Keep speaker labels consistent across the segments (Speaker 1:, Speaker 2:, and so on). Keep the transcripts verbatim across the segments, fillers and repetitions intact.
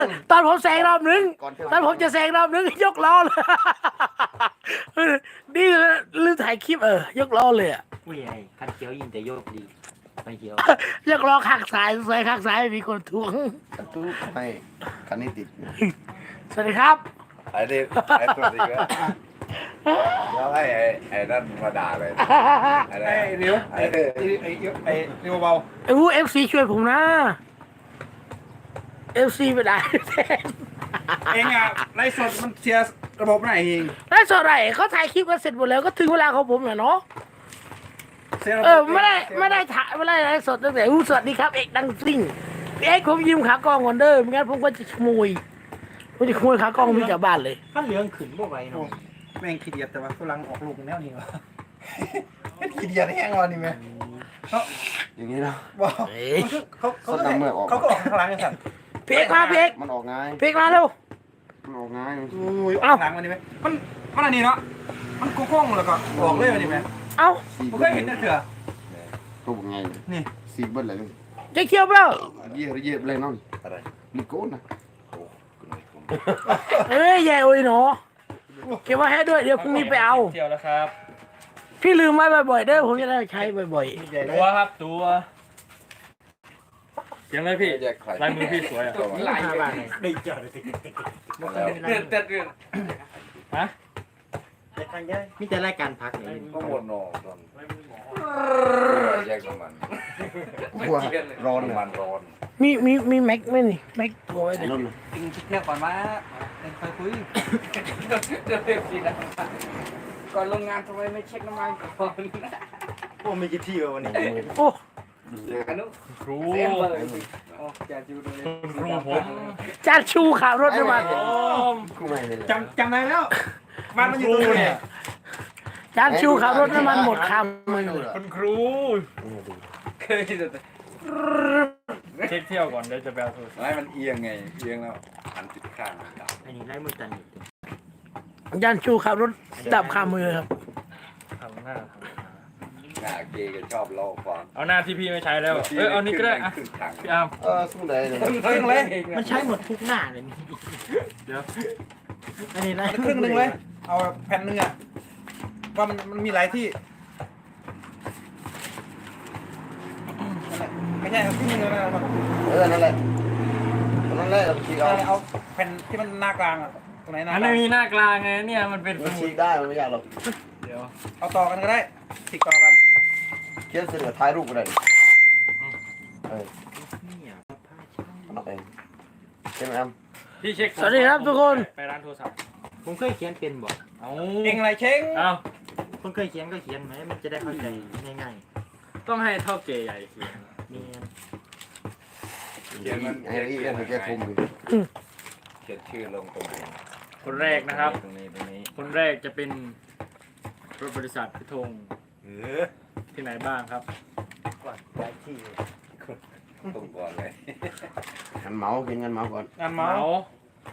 Speaker 1: ตอนผมแซงรอบนึงตอนผมจะแซงรอบนึงยกล้อเลยนี่ลืมถ่ายคลิปเออยกล้อเลยอ่ะ
Speaker 2: อุ้ยไอ้คันเขียวยิงแต่โยกดีไม่เขียวย
Speaker 1: กล้อข้างซ้ายซ้ายข้างซ้ายมีคนทวง
Speaker 3: ตู้ให้คันนี้ติด
Speaker 1: สวัสดีครับ
Speaker 4: ไอ้นี่ไอ้ตัวนี้ก็แล้วให้ไอ้ไอ้นั่นมาด่าเลยไอ้
Speaker 5: ไอ้เร็ว
Speaker 4: ไอ้
Speaker 5: ไอ้ไอ้ไอ้เร็วเบา
Speaker 1: ไอ้วูเอฟซีช่วยผมนะเอฟซีไม่ได้
Speaker 5: เองอ่ะไล่สดมันเสียระบบไหนเอง
Speaker 1: ได้สดไรเขาถ่ายคลิปกันเสร็จหมดแล้วก็ถึงเวลาของผมแล้วเนาะ
Speaker 5: เสียระบบ
Speaker 1: เออไม่ได้ไม่ได้ถ่ายไม่ได้ไลฟ์สดตั้งแต่อู้สวัสดีครับเอกดังซิ่งพี่เอกผมยืมขากล้องก่อนเด้อไม่งั้นผมก็จะขโมยผมจะขโมยขากล้องมีจากบ้านเลย
Speaker 2: คันเหลืองขึ้นบ่ไหวเนาะ
Speaker 5: แม่งขี้เดียดแต่ว่าฝรั่งออกลูกแนวนี้วะ
Speaker 3: ขี้เดียดแห้งวันนี้ไหมอย่างนี้เนาะ
Speaker 5: ว้าว
Speaker 1: เฮ้ย
Speaker 5: เขาเขา
Speaker 3: ส้นน้ำเมือกออก
Speaker 5: เขาก็ออกข้างหลังกันสัตว์
Speaker 1: พี่เอกมาพี่เอก
Speaker 3: มันออกง่าย
Speaker 1: พี่เอกมาเร็ว
Speaker 3: มันออกง่าย
Speaker 5: อุ้ยออกข้างหลังวันนี้ไหมมันมันอันนี้เนาะมันโค้งๆแล้วก็ออกเลยวันนี้ไหม
Speaker 1: เอ้า
Speaker 3: สี
Speaker 5: ผม
Speaker 3: เบิ้
Speaker 5: เคยเห็นแต่เถื่อ
Speaker 3: ตัวไง
Speaker 5: นี่
Speaker 3: สีเบิ้ลอะไร
Speaker 1: จะเคี้ยวเปล่า
Speaker 3: เยี่ยเยี่ยเลยน้อง
Speaker 4: อะไร
Speaker 3: ลิโก้นะ
Speaker 4: โอ้คุณไม่ผม
Speaker 1: เอ้ยแย่โอ้ยหนอเก็บไว้ให้ด้วยเดี๋ยวพรุ่งนี้ไปเอา
Speaker 6: เที่ยวแล้วครับ
Speaker 1: พี่ลืมไว้บ่อยๆเด้อผมจะได้ใช้บ่อย
Speaker 6: ตัวครับตัวยังไงพี่
Speaker 4: แยกใคร
Speaker 6: ลายมือพี่สวยอ่ะ
Speaker 2: หลายบาทเลย
Speaker 4: แล้ว
Speaker 6: เดือดเดือดเดือดฮะ
Speaker 2: มีแต่รายการพักนี่
Speaker 4: ก็หมดนอตอนแยกน้ำมัน
Speaker 3: กลัวร้อนเลย
Speaker 4: น้ำมันร้อน
Speaker 1: ๆมีมีมีแม็กไหมนี่แม็กตัวไว้
Speaker 3: ไอ้
Speaker 1: เลย
Speaker 3: นุ่น
Speaker 5: จริงคิดแค่ก่อนมาเองเคยคุย
Speaker 6: เดือดเดือดสินะก่อนลงงานทำไมไม่เช็คน้ำมันก่อน
Speaker 5: พวกมีกี่ที่วะวันนี้
Speaker 1: โอ้
Speaker 6: อนุครู
Speaker 4: เต็มเลย
Speaker 6: จะจูดูเลยคุณครูผม
Speaker 1: จานชูขับรถน้ำมัน
Speaker 3: คู่ใหม่เลย
Speaker 5: จำจำได้แล้วบ้านมันอยู่ตรงนี้
Speaker 1: จานชูขับรถน้ำมันหมดคำมือ
Speaker 6: คุณครูเคยจะเช็คเที่ยวก่อนเดี๋ยวจะไปเอาโทรศัพท์
Speaker 4: ไม่มันเอียงไงเอียงแล้วหันติดข้างดับ
Speaker 2: อันนี้ไล่มือตันอีก
Speaker 1: จานชูขับรถดับคามือครับ
Speaker 6: ทำหน้า
Speaker 4: หน้าเกย์ก็ชอบเล่าความ
Speaker 6: เอาหน้าที่พี่ไม่ใช้แล้วเอ้ยเอานี่ก็ได้อะ
Speaker 4: ขึ้นทาง
Speaker 6: พี่อาร์ม
Speaker 3: เออสู้ได้เลย
Speaker 5: ครึ่งเลย
Speaker 2: มันใช้หมดทุกหน้าเลยนี่
Speaker 6: เดี๋ยว
Speaker 2: อันนี้ไล่
Speaker 5: ครึ่งหนึ่งเลย เอาแผ่นหนึ่งอ่ะว่ามันมันมีหลายที่ไม่ใช่เอาครึ่งหนึ่งเลยนะ
Speaker 3: เออนั่นแหละนั่นแหละฉีกเอา
Speaker 5: เอาแผ่นที่มันหน้ากลางอ่ะตรงไหนหน้า
Speaker 6: อัน
Speaker 5: กลา
Speaker 6: นี้
Speaker 5: ง
Speaker 6: มีหน้ากลางไงเนี่ยมันเป็นส
Speaker 3: มัน
Speaker 6: มุ
Speaker 3: ฉี
Speaker 6: ด
Speaker 3: กได้มันไม่ยากหรอก
Speaker 6: เดี๋ยว
Speaker 5: เอาต่อกันก็ได้ติดต่อกัน
Speaker 3: เขียนเสนอท้ายรูปก็ได้เออ
Speaker 2: นี่อ่ะผ้าช่าง
Speaker 3: เอาเองใช่ไหมครับ
Speaker 6: พี่เช็ค
Speaker 1: สวัสดีครับทุกคน
Speaker 6: ไปร้านโทรศัพท์
Speaker 2: ผมเคยเขียนเป็นบ่
Speaker 6: เอา
Speaker 5: เองอะไรเช้ง
Speaker 6: เอา
Speaker 2: คนเคยเขียนก็เขียนไหมมันจะได้เข้าใจง่าย
Speaker 6: ต้องให้เท่าเกย์ใหญ่เขียน
Speaker 2: ๆมี
Speaker 4: เขียนมัน
Speaker 3: ไอ้นี่ไอ้แกทุ่มดิ
Speaker 4: เขียนชื่อลงตรงไหน
Speaker 6: คนแรกนะครับ
Speaker 4: ตรงนี้ตรงนี้
Speaker 6: คนแรกจะเป็นรถบริษัทพิทง
Speaker 4: เออ
Speaker 6: ที่ไหนบ้างครับ
Speaker 2: หลายที่
Speaker 4: ตรงก่อนเลย
Speaker 3: งันเมาส์กินงันเมาส์ก่อน
Speaker 5: งาน
Speaker 6: เห
Speaker 5: เมา
Speaker 6: มา
Speaker 5: ส์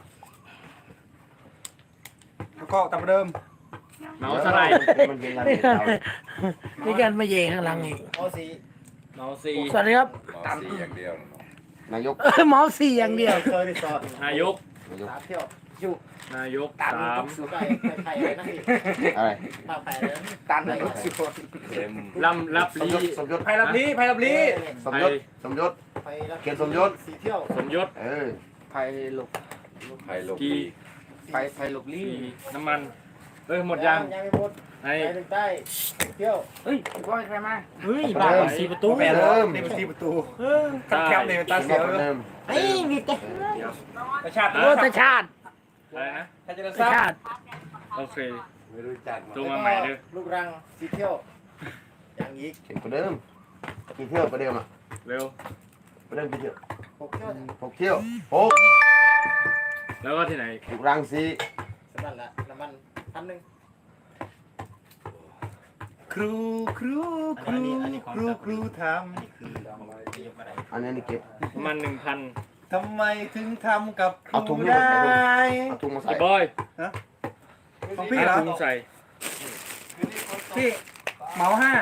Speaker 5: แล้วก็ตามเดิม
Speaker 6: เหมาเท่าไหร่
Speaker 3: มันเป็นงาน
Speaker 1: นี่
Speaker 3: เก่า
Speaker 1: นี่การมาเย่ข้างหลังอีก
Speaker 2: โอซี
Speaker 6: เหมาซี
Speaker 1: สวัสดีครับ
Speaker 4: หมอสีอย่างเดียวเนาะ
Speaker 3: นายก
Speaker 1: เออเมาส์สี่อย่างเดียว
Speaker 2: เคยไปสอน
Speaker 6: นายก
Speaker 3: นายก
Speaker 2: สามเที่ยวอยู่
Speaker 6: นายก
Speaker 2: ตาม
Speaker 6: สาม
Speaker 2: สุดไปไทยเลยนะพี่
Speaker 3: อะไร
Speaker 2: มาไปเลย
Speaker 5: ตามนายกสิบคน
Speaker 4: เต็ม
Speaker 6: ลำรับ
Speaker 3: สม
Speaker 6: ลี
Speaker 3: ยศสมยศ
Speaker 5: ไพรับลีไพรับลี
Speaker 3: สมยศสมยศ
Speaker 2: ไปแล้ว
Speaker 3: เขียนสมยศ
Speaker 2: สีเที่ยว
Speaker 6: สมยศ
Speaker 3: เออ
Speaker 2: ไปหลบ
Speaker 4: ไผ่ลบ
Speaker 6: กี
Speaker 4: ดี
Speaker 2: ไปไปหลบ
Speaker 6: ลี
Speaker 2: ลี่
Speaker 6: น้ำมันเอ้ยหมดยัง
Speaker 2: ยังไม่หมด
Speaker 6: ใน
Speaker 2: ไปถึงใต้เที่ยว
Speaker 6: เฮ้ยว่าใครมา
Speaker 2: เฮ้ยบ้านสีประตู
Speaker 5: แปดแล้วนี่เป็นสี่ประตูขับแคบเลยตา
Speaker 3: เขียน
Speaker 5: เสียว
Speaker 3: มา
Speaker 5: เลย
Speaker 3: เดิม
Speaker 2: เฮ้ยมีแต่
Speaker 5: กระชาติ
Speaker 1: โอ้ตาชาติ
Speaker 6: อะไรนะ
Speaker 5: ถ้าจะได้
Speaker 1: ตา
Speaker 5: ทราบ
Speaker 1: ชาติ
Speaker 6: โอเค
Speaker 4: ไม่รู้จัก
Speaker 6: โทรมาใหม่เด้อ
Speaker 2: ลูกรังสีเที่ยวอย่างอีก
Speaker 3: เขียนประเดิมกี่เที่ยวประเดิมอ่ะ
Speaker 6: เร็ว
Speaker 3: ประเดิมกี่เที่ยว
Speaker 2: หกเที่ยว
Speaker 3: หกเที่ยวหก
Speaker 6: แล้วก็ที่ไหน
Speaker 3: ถูกรังสี
Speaker 2: สำนักละน้ำมันพันหนึ่ง
Speaker 5: ครูครูครูครูครูท
Speaker 3: อันนี้นี่เก็บ
Speaker 6: ประมาณหนึ่งพัน
Speaker 5: ำทำไมถึงทำกับค
Speaker 3: เอาถุ
Speaker 5: รู
Speaker 3: งนี่
Speaker 5: ได้
Speaker 3: เอาถุงมาใส่
Speaker 6: ไอ้บอย
Speaker 5: ของพี่เหรอ
Speaker 6: ถุงใส่
Speaker 5: พี่เหมาห้า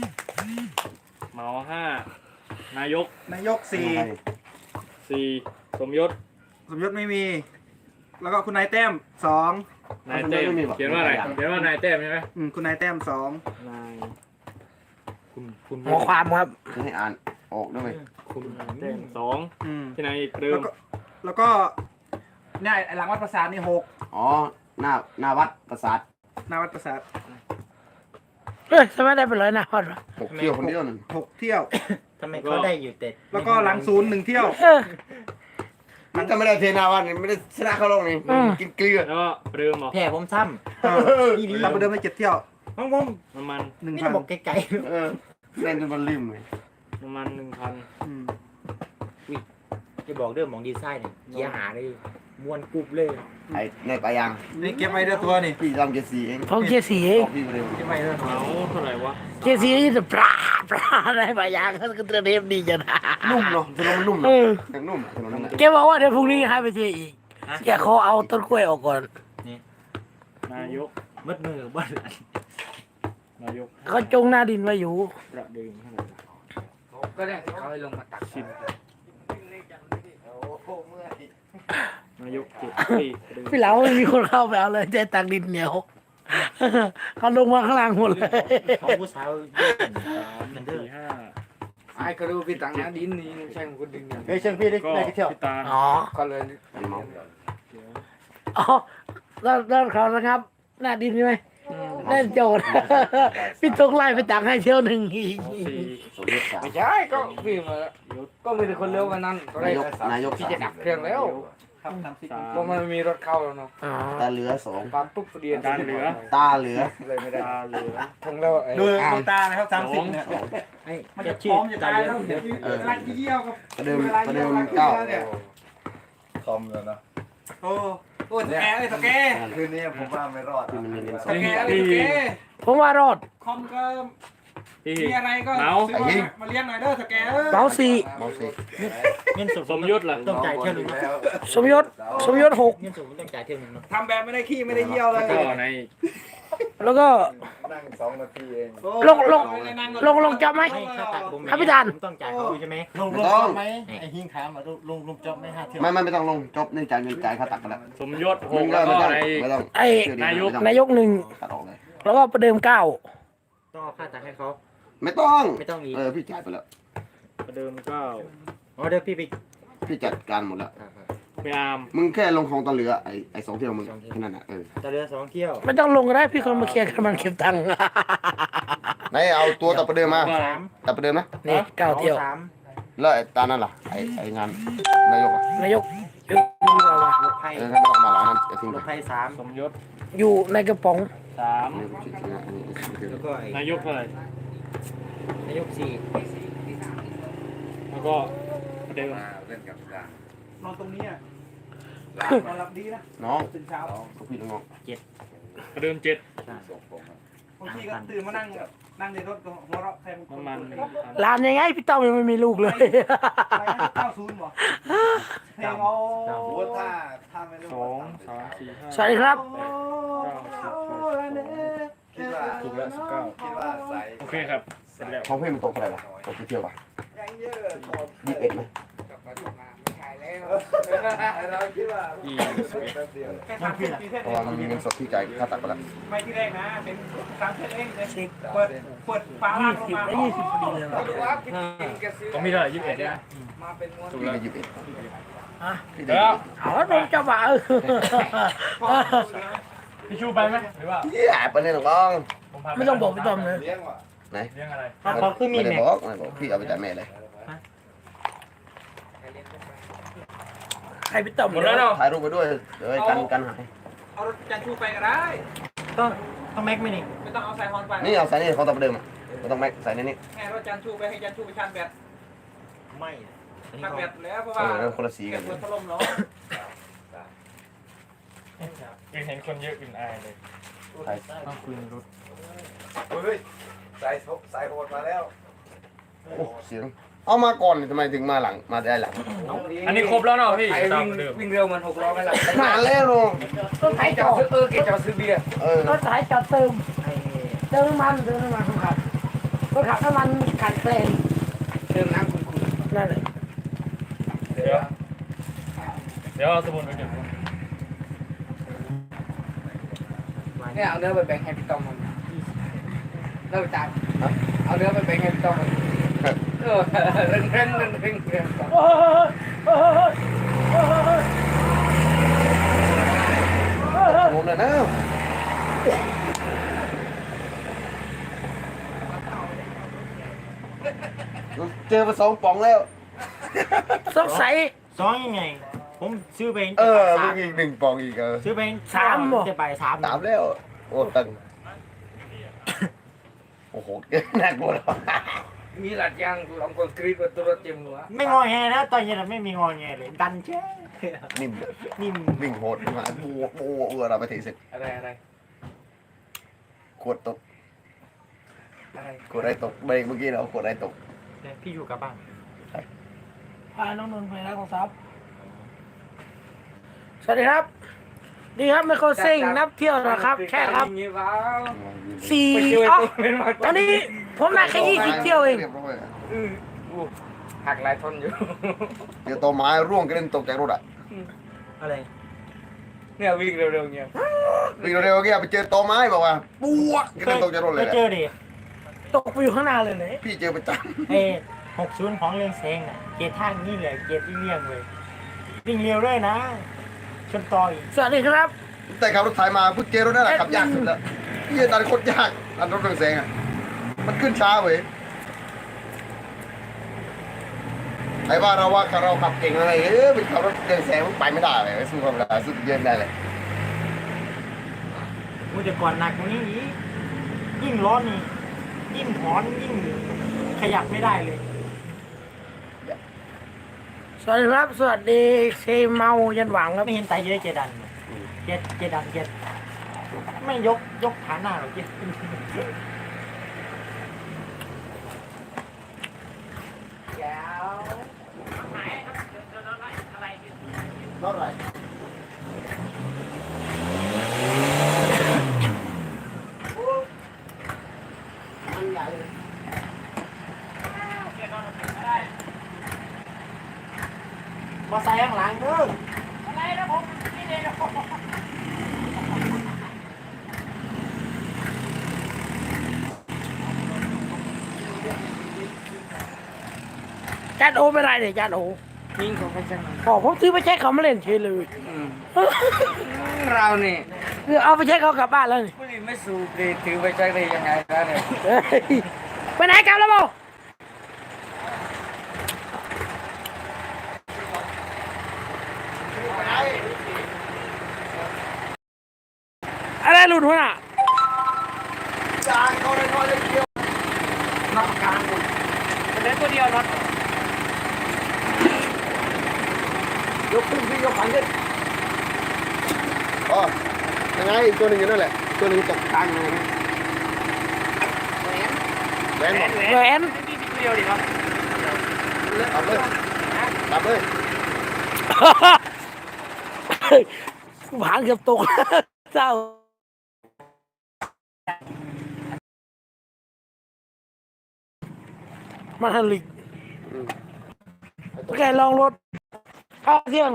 Speaker 6: เหมาห้านายก
Speaker 5: นายกสี่
Speaker 6: สี่สมยศ
Speaker 5: สมยศไม่มี แล้วก็คุณนายแต้มสอง
Speaker 6: นายเต้มเขียนว่าอะไรเขียนว่านายเต้มใช่ไหม
Speaker 5: อืมคุณนายแต้มสอง
Speaker 6: นายคุณคุณ
Speaker 1: หมอความครับ
Speaker 3: ให้อ่านออกด้วย
Speaker 6: คุณนายเต้มสอง
Speaker 5: อืม
Speaker 6: ที่ไหนอีกเดิ
Speaker 5: แล้
Speaker 6: ม
Speaker 5: วก็แล้วก็เนี่ยไอ้หลังวัดประสาทนี่หก
Speaker 3: อ๋อหน้าหน้าวัดประสาท
Speaker 5: หน้าวัดประสาท
Speaker 1: เอ้ยทำไมได้เป็นร้อยนะฮอดวะ
Speaker 3: หกเที่ยวคนเดียวนึง
Speaker 5: หกเที่ยว
Speaker 2: ทำไมเขาได้อยู่แต่
Speaker 5: แล้วก็หลังศูนย์หนึ่งเที่ยว
Speaker 1: เออ
Speaker 3: มันก็ไม่ได้เทนาวันไม่ได้ชนะเขาลงนี่
Speaker 1: อืม
Speaker 3: กินเกลือ
Speaker 6: แล้วก็เดิมเหรอ
Speaker 2: แผ่ผมซ้
Speaker 5: เออเราไปเดินไปเจ็ดเที่ยว
Speaker 2: ำของผม
Speaker 6: น้ำมัน
Speaker 5: หนึ่ง
Speaker 2: นี่
Speaker 5: พัน
Speaker 2: บอกไกล
Speaker 3: เออเล่นจนมันลืมเลย
Speaker 6: น้ำมันหนึ่งพัน
Speaker 5: อืม
Speaker 2: ๆจะบอกเรื่องของดีไซน์เนี่ยเกียร์หาเลยมวนกรุบเลย
Speaker 3: ไอ้ในปลายาง
Speaker 5: นี่เก็บไว้เด้อตัวนี่
Speaker 3: พี่ทำเจ็ดสี่เอง
Speaker 1: ผมเกียร์สีเอง
Speaker 3: ออกพี่ไปเลย
Speaker 5: เก็บไว้เด้อ
Speaker 6: เอาเท่าไหร่วะ
Speaker 1: เกียร์สีนี่จะปลาปลาได้ปลายางก็เตรียมเทปดีจังนะ
Speaker 3: นุ่มเนาะถนนมันนุ่ม
Speaker 1: เอ
Speaker 3: เนาะ
Speaker 1: อ
Speaker 3: ยังนุ่มถนนนั่นแหละ
Speaker 1: แกบอกว่าเดี๋ยวพรุ่งนี้ให้ไปเทอีกแกขอเอาต้นกล้วยออกก่อน
Speaker 6: นายก
Speaker 2: มืดมือบ้าน
Speaker 6: นายก
Speaker 1: เขาจงหน้าดินไว้อยู่
Speaker 6: ประเดิมเท่าไหร่วะ
Speaker 7: ก็ได้ที่เขาให้ลงมาตัก
Speaker 6: สิบนายกเจ็ดปีประเดิม
Speaker 1: พี่เหลาไม่มีคนเข้าไปเอาเลยใจตักดินเหนียวเขาลงมาข้างล่างหมดเลย
Speaker 2: ของผู้สาว
Speaker 6: สามสี่ห้า
Speaker 7: ไอ้ก็รู้พี่ตังนะดินนี่ใช่คนดึงเนี่ย
Speaker 3: เฮ้ยเชิญพี่ได้
Speaker 6: ก็
Speaker 3: ได้กี่เที่ยว
Speaker 6: พี่ตาล
Speaker 1: อ๋อ
Speaker 7: ก็เลย
Speaker 3: มันเมา
Speaker 6: เดี๋ยว
Speaker 1: อ๋อแล้วแล้วเขานะครับ หน้าดินใช่ไหมเล่นโจทย์ พี่ต้องไล่ไปตักให้เที่ยวหนึ่งอีก
Speaker 6: สี่
Speaker 3: สมยศสาม
Speaker 7: ไม่ใช่ก็พี่มาก็มีแต่คนเร็วกันนั้นตอนแร
Speaker 3: นาก ยกนายก
Speaker 7: พี่
Speaker 3: สา
Speaker 7: จะ
Speaker 3: ม
Speaker 7: ดับเครื่องแล้ว
Speaker 5: ครับสามสิบ
Speaker 6: สาม
Speaker 7: เพราะมันมีรถเข้าแล้วเนาะ
Speaker 1: อ๋อ
Speaker 3: ตาเหลือสอง
Speaker 7: ปั๊บปุ๊บเรียน
Speaker 6: ตาเหลือ
Speaker 3: ตาเหลือ
Speaker 7: เลยไม่ได้
Speaker 6: ตาเหลือ
Speaker 7: ทั้งแล้วไอ้
Speaker 5: ดู
Speaker 7: อ่า
Speaker 5: ดู
Speaker 7: น
Speaker 5: ตานะครับสามสิบเนี่ย
Speaker 2: ไอ้
Speaker 5: มัน
Speaker 2: จะ
Speaker 5: จะพ
Speaker 2: ชื่
Speaker 5: ร้
Speaker 2: อ
Speaker 5: อมจะ
Speaker 2: ตา
Speaker 5: ตาย
Speaker 2: เหลื
Speaker 5: แล้ว
Speaker 2: อง
Speaker 5: เดี๋ยวเวลาเยี่ยวกับ
Speaker 3: ประเดิม
Speaker 5: เวลา
Speaker 3: ประ
Speaker 5: เยี่
Speaker 3: เดิ
Speaker 5: ยว
Speaker 3: ม
Speaker 5: กับ
Speaker 3: เก้า
Speaker 5: เนี่ย
Speaker 4: คอมแล้วนะ
Speaker 5: โอ้โอ้สแกเลยสแก
Speaker 4: คืนนี้ผมว่าไม่รอด
Speaker 3: ที่มันเรียนส
Speaker 5: ส
Speaker 3: อง
Speaker 5: แกเลยสแก
Speaker 1: ผมว่ารอด
Speaker 5: คอมก็
Speaker 6: พี่
Speaker 5: มีอะไรก็
Speaker 6: เมา
Speaker 5: ซื้อมามาเลี้ยงหน่อยเด้อสแกเออ
Speaker 1: เมาสี่
Speaker 3: เมาสิ
Speaker 2: เงินสด
Speaker 6: สมยศล่ะ
Speaker 2: ต้องจ่ายเที่ยวหนึง
Speaker 4: แล้ว
Speaker 1: สมยศสมยศหก
Speaker 2: เงินสดต้องจ่ายเที่ยวหนึงเนาะ
Speaker 5: ทำแบบไม่ได้ขี้ไม่ได้เยี่ยวเลย
Speaker 6: ก็ใน
Speaker 1: แล้วก็
Speaker 4: นั่งสองนาทีเอง
Speaker 5: โอ้
Speaker 1: ลงลง
Speaker 5: เลยนั่ก่อน
Speaker 1: ลงลงจับไหม
Speaker 2: ไม่ค่าตัดผม
Speaker 1: ครับพี่ดาน
Speaker 2: ผมต้องจ่ายเขาใช่ไหม
Speaker 3: ลงลงต้อง
Speaker 2: ไอ้หิ้งถามว่าลงลงจบไหมฮะเที่ยว
Speaker 3: ไม่ไม่ไม่ต้องลงจบนี่จ่ายเงินจ่ายค่าตักกันแล้ว
Speaker 6: สมยศห
Speaker 3: มึ
Speaker 6: ก
Speaker 3: งก็
Speaker 6: แล้ว
Speaker 3: ไม่
Speaker 6: ก็
Speaker 3: ต้อง
Speaker 6: ใน
Speaker 3: ไม่ต้อง
Speaker 1: ไอ้
Speaker 3: นายก
Speaker 1: นายกหนึ่ง
Speaker 3: ตัดออกเลย
Speaker 1: แล้วก็ประเดิมเก้า
Speaker 2: ต้องเอาค่าตัดให้เขา
Speaker 3: ไม่ต้อง
Speaker 2: ไม่ต้องอีก
Speaker 3: เออพี่จ่ายไปแล้ว
Speaker 6: ประเดิมเก้า
Speaker 2: อ๋อเดี๋ยวพี่ไป
Speaker 3: พี่จัดการหมดแล้ว
Speaker 6: ไปอาร์ม
Speaker 3: มึงแค่ลงของตะเหลือไอ้ไอ้สองเที่ยวมึงแค่นั้นน่ะเออ
Speaker 2: จะเรือสองเที่ยว
Speaker 1: ไม่ต้องลงก็ได้พี่คนมาเคลียร์กันมันเก็บตังค์
Speaker 3: ไหนเอาตัวตัดประเดิมมา
Speaker 2: สาม
Speaker 3: ตัดประเดิมนะ
Speaker 1: นี่เก้าเที่ยว
Speaker 2: สาม
Speaker 3: แล้วไอ้ตานั่นล่ะไอ้ไอ้งานนายกอ่ะ
Speaker 1: นายกยกมือเอามา
Speaker 2: รถไฟ
Speaker 3: เอองั้นไม่ต้องมาหลังนั้นไอ้ทิ้ง
Speaker 2: ร
Speaker 3: ไป
Speaker 2: ถไฟสาม
Speaker 6: สมยศ
Speaker 1: อยู่ในกระป๋อง
Speaker 6: สาม
Speaker 3: อันนี้ผมคิดนะอันนี้อันนี้
Speaker 2: แล้วก็ไอ้
Speaker 6: นายกเท่าไหร่
Speaker 2: นายกสี่
Speaker 6: แล้วก็ประเดิม
Speaker 4: มาเล่นกับดาน
Speaker 5: อนตรงนี้อ่ะ
Speaker 4: ลาน
Speaker 5: อนหลับดีนะ
Speaker 3: น้อง
Speaker 5: ตื่นเช้า
Speaker 3: ก็พี่น้อง
Speaker 6: ประเดิมเจ็ด
Speaker 4: ส่งผมอะ
Speaker 5: บางทีก็ตื่นมานั่งนั่งในรถก็หัวเราะแทน
Speaker 6: น้ำมันหนึ่งพัน
Speaker 1: ร้านยังไงพี่ต้อมยังไม่มีลูกเลย
Speaker 5: ไปเก้าศูนย์บ่เพลงเอา
Speaker 4: โอ้โหถ้าถ้าไม่รู้
Speaker 6: สองสามสี่ห้า
Speaker 1: สวัสดีครับ
Speaker 4: คิดว่า
Speaker 6: ถูกแล้วสิบเก้า
Speaker 4: คิดว่าใส่
Speaker 6: โอเคครับเสร็จแล้ว
Speaker 3: ของพี่มันตกอะไรวะตกกี่เที่ยววะ
Speaker 4: ยังเยอะถอด
Speaker 3: ยี่สิบเอ็ดไหม
Speaker 4: เราคิดว่า
Speaker 6: ยี่
Speaker 4: แป๊บเดียว
Speaker 5: แค่สามสิบปีเท่า
Speaker 3: เพราะว่ามันมีเงินสดที่จ่ายค่าตัดไปแล้ว
Speaker 5: ไม่ที่แรกนะเป็นสามเท่าเองเลยเปิดเปิดฝา
Speaker 1: ยี่
Speaker 5: ล่างล
Speaker 1: สิ
Speaker 5: ง
Speaker 1: บ
Speaker 5: มา
Speaker 1: และยี่สิบพอดีเลยว่ะ
Speaker 6: ต้องมีเท่าไหร่ยี่สิบเอ็ดนะ
Speaker 7: มาเป็นม้วน
Speaker 6: ถูก
Speaker 3: พี่
Speaker 6: แล้ว
Speaker 3: ได้ยี่สิบเอ็ด
Speaker 1: อ่ะ
Speaker 3: พี่ได้
Speaker 6: แล้ว
Speaker 1: เอาแล้วผมจะบ่าเออ
Speaker 6: พี่ชูไปไหมหรือว่า
Speaker 3: เหี้ยไปเลยน้อง
Speaker 6: ผมพาป
Speaker 1: ไม่ต้องบอกพี่ต้อมเลย
Speaker 4: เลี้ยงว่ะ
Speaker 3: ไหน
Speaker 6: เรื่องอะไร
Speaker 2: เขาขึ้นมี
Speaker 3: ไม่ได้
Speaker 2: แม็ก
Speaker 3: บอกไม่ได้บอกพี่เอาไปจ่ายแม่เลย
Speaker 1: ให้พี่ต้อม
Speaker 6: หมดแล้วเนาะ
Speaker 3: ถ่ายรูปไปด้วยเดี๋ยวกันกันหาย
Speaker 5: เอารถจันทูไปก็ได้
Speaker 2: ต้องต้องแม็กไหมนี่
Speaker 5: ไม่ต้องเอาสายฮอนไป
Speaker 3: นี่เอาใส่นี่เขาตัดประเดิมอ่ะไม่ต้องแม็กใส่ในนี้
Speaker 5: แค่รถจันทูไปให้จันทูไปชาร์จแบต
Speaker 2: ไม่อันนี้
Speaker 5: ชาร์จ
Speaker 2: เขา
Speaker 5: แบตแล้วเพราะ
Speaker 3: เอ
Speaker 5: ว่า
Speaker 3: อแล้วคนละสี
Speaker 5: เก็
Speaker 3: กับ น
Speaker 5: เปิดพัดลมเนาะ
Speaker 6: เห็นคนเยอะอื่นอายเลย
Speaker 3: ใส่
Speaker 6: ต้องคุยในรถ
Speaker 4: เฮ้ยใส่ใส่โหดมาแล้ว
Speaker 3: โอ้เสียงเอามาก่อนทำไมถึงมาหลังมาได้หลัง
Speaker 6: อันนี้ครบแล้วเนาะพี่
Speaker 7: ไอ้
Speaker 6: ตาม
Speaker 7: วิ่ง
Speaker 6: เดิม
Speaker 7: วิ่งเร็วมันหกล้อไม่ละ
Speaker 3: นานแล้วน้อง
Speaker 1: รถไถ
Speaker 7: ไอ้
Speaker 1: จ
Speaker 7: จ
Speaker 1: อ
Speaker 7: อ
Speaker 1: ด
Speaker 7: ดซื้อเออแกจอดซื้อเบียร์
Speaker 3: เออ
Speaker 1: รถไถจอดเติม
Speaker 2: ไอ้
Speaker 1: เติมน้ำมันเติมน้ำมันครับรถขับน้ำมันขาดแคลน
Speaker 7: เติมน้ำคุณคุณ
Speaker 1: นั่นแหละ
Speaker 6: เดี๋ยวดี๋ยวเอาสมุนไปเก็บ
Speaker 7: เนี่ยเอาเนื้อไปแบ่งให้พี่ต้อมมันเลิกจ่ายเอาเนื้อไปแบ่งให้พี่ต้อมมันเออเร่งเร่งเร่งเร่งเร่ง
Speaker 1: โอ้ยโอ้ยโอ้ย
Speaker 3: งงเลยนะเจอมาสองป๋องแล้ว
Speaker 1: สงสัย
Speaker 2: สองยังไง ผมซื้อไป
Speaker 3: เออ
Speaker 2: สา
Speaker 3: มี
Speaker 2: ม
Speaker 3: อีกหนึ่งป๋องอีกเออ
Speaker 2: ซื้อไป
Speaker 1: สามเหรอ
Speaker 2: จะไปสาม
Speaker 3: สามแล้ว โอ้ตังโอ้โหน่ากลัวแล้ว
Speaker 7: มีหลัดยางลองคนกรีดว่าตัวเต็มหัว
Speaker 2: ไม่งอแงนะตอนนี้ไม่มีงอแงเลยดันเช่
Speaker 3: นิ่ม
Speaker 2: นิ่ม
Speaker 3: วิ่งโหดมาปูปูเออเราไปถีเสร็จ
Speaker 7: อะไรอะไร
Speaker 3: ขวดตก
Speaker 7: อะไร
Speaker 3: ขวดอะไรตกเบรกเมื่อกี้เราขวดอะไรตก
Speaker 2: เนี่ยพี่อยู่กับบ้าน
Speaker 1: พาน้องนนท์ไปร้านของซับสวัสดีครับ ดีครับไมโครเซ็งนับเที่ยวนะครับ แค่ครับ
Speaker 7: งี้ว้าว
Speaker 1: สี่
Speaker 7: ไปช่วย
Speaker 1: อ๋อ
Speaker 7: ตัวเป็นมา
Speaker 1: ตอนนี้ผมได้แค่ยี่สิบเที่ยวเอง
Speaker 3: รีบร้อยอะ
Speaker 7: อืออู้หักหลายทนอยู่
Speaker 3: เดี๋ยวต้นไม้ร่วงกระเด็นตกจากรถอ่ะ
Speaker 2: อะไร
Speaker 7: เนี่ยวิ่งเร็วๆเงี้ย
Speaker 3: วิ่งเร็วๆเกี้ยไปเจอต้นไม้บอกว่าปุ๊วกระเด็นตกจากรถเลย
Speaker 2: เค
Speaker 3: แหละ
Speaker 2: เจอดิ
Speaker 1: ตกไปอยู่ข้างหน้าเลยเลย
Speaker 3: พี่เจอประจ
Speaker 2: เอ้หกศูนย์ของเรื่องแซงน่ะเกียร์ทางนี่แหละเกียร์ที่เลี่ยงเลยวิ่งเร็วด้วยนะชนต่ออีก
Speaker 1: สวัสดีครับ
Speaker 3: ำแต่ขับรถไถมาพูดเจอรถนั่นแหละขับยากสุดแล้วพี่ตันโคตรยากอันรถเรืองแสงอ่ะมันขึ้นช้าเว้ยไอ้ว่าเราว่าเราขับเก่งอะไรเอ้ยเป็นขับรถเรืองแสงมันไปไม่ได้เลยสู้ความเร็วสู้เยินได้เลย
Speaker 2: มูแต่ก่อนหนักกว่านี้อีกยิ่งร้อนนี่ยิ่งหอนยิ่งขยับไม่ได้เลย
Speaker 1: สวัสดีครับ สวัสดีเซเมายันหวังครับ
Speaker 2: ไม่เห็นไตเยอะเจดันเจเจดันเจไม่ยกยกขาหน้าหรอกเจ
Speaker 3: เท่าไหร่
Speaker 2: มาใส่ข้างหลังเด้อ
Speaker 1: จานโอไม่ได้เลยจานโอ
Speaker 7: ยิงของใครช่างมัน
Speaker 1: อ๋อผมซื้อไปใช้เขามาเล่นเฉยเลย
Speaker 7: อืมเราเนี่ย
Speaker 1: คือเอาไปใช้เขากลับบ้านแล้วนี่
Speaker 7: ผู้นี้ไม่สูบเลยถือไปใช้ได้ยังไงนะเนี่ย
Speaker 1: เฮ้ยไปไหนกลับแล้วโมอะไรหลุดหัวน่ะ
Speaker 3: จานเขาเลยน้อยเลยเดียว
Speaker 7: นักประกันคุณเป็นเล่นตัวเดียวน็อต
Speaker 3: ยกขึ้นพี่ยกขันขึ้นอ๋อยังไงอีกตัวหนึ่งอยู่นั่นแหละตัวหนึ่งตกกลางเลยนะแหวนหมด
Speaker 1: แหวน
Speaker 7: เดียวดิครับ
Speaker 3: ตับเลยตับเลย
Speaker 1: หางเกือบตก เศร้ามาทันลิกโอเคลองรถเข้าเที่ยง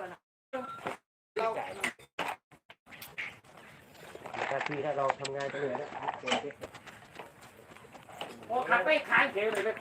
Speaker 2: ถ้าพี่ถ้าเราทำงานเหนื่อยนะ
Speaker 1: โอ้ขับไปขายเฉยเลย